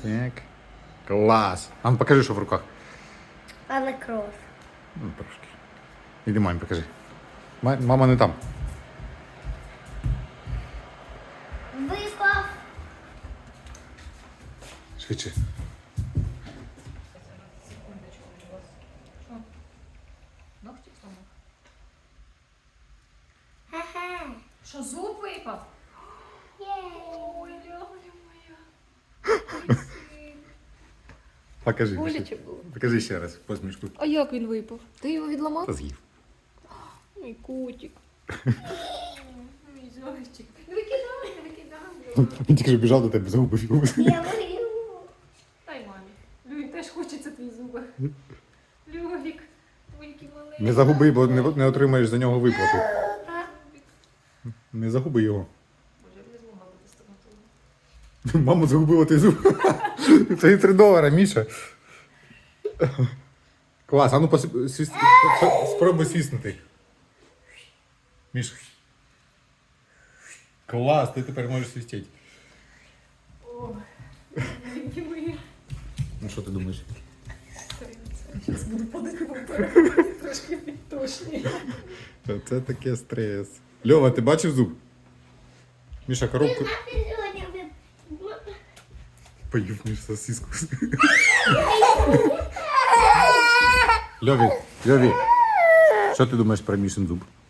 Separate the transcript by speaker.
Speaker 1: Так. Клас. А ну покажи, що в руках.
Speaker 2: Але кров.
Speaker 1: Ну, трошки. Іди мамі покажи. Мама не там.
Speaker 2: Випав.
Speaker 1: Швидше.
Speaker 3: Ногті сломав.
Speaker 2: Ха-ха.
Speaker 3: Що, зуб випав?
Speaker 2: Єй.
Speaker 3: Ой, ляля моя.
Speaker 1: Покажи.
Speaker 3: Боляче
Speaker 1: Міша.
Speaker 3: було.
Speaker 1: Покажи ще раз посмішку.
Speaker 3: А як він випав? Ти його відламав?
Speaker 1: Та з'їв.
Speaker 3: Мій котик. Мій зайчик. Не викидай, не викидай.
Speaker 1: Він тільки що біжав до тебе, загубив його.
Speaker 2: Я мою.
Speaker 3: Дай мамі. Люль теж хочеться твій зуби. Люлік, твої маленький.
Speaker 1: Не загуби, бо не отримаєш за нього виплату. Не загуби його.
Speaker 3: Боже, я не змогла бути стоматологом.
Speaker 1: Маму загубила ти зуб. Це $3, Міша. Клас, а ну спробуй свіснути. Міша. Клас, ти тепер можеш свістити.
Speaker 3: Ой, маленькі мої.
Speaker 1: Ну що ти думаєш?
Speaker 3: Зараз буду падати в трошки підтошні.
Speaker 1: Це таке стрес. Льова, ти бачив зуб? Міша, коробку. Поїв Міш сосиску. Льові, що ти думаєш про Мішин зуб?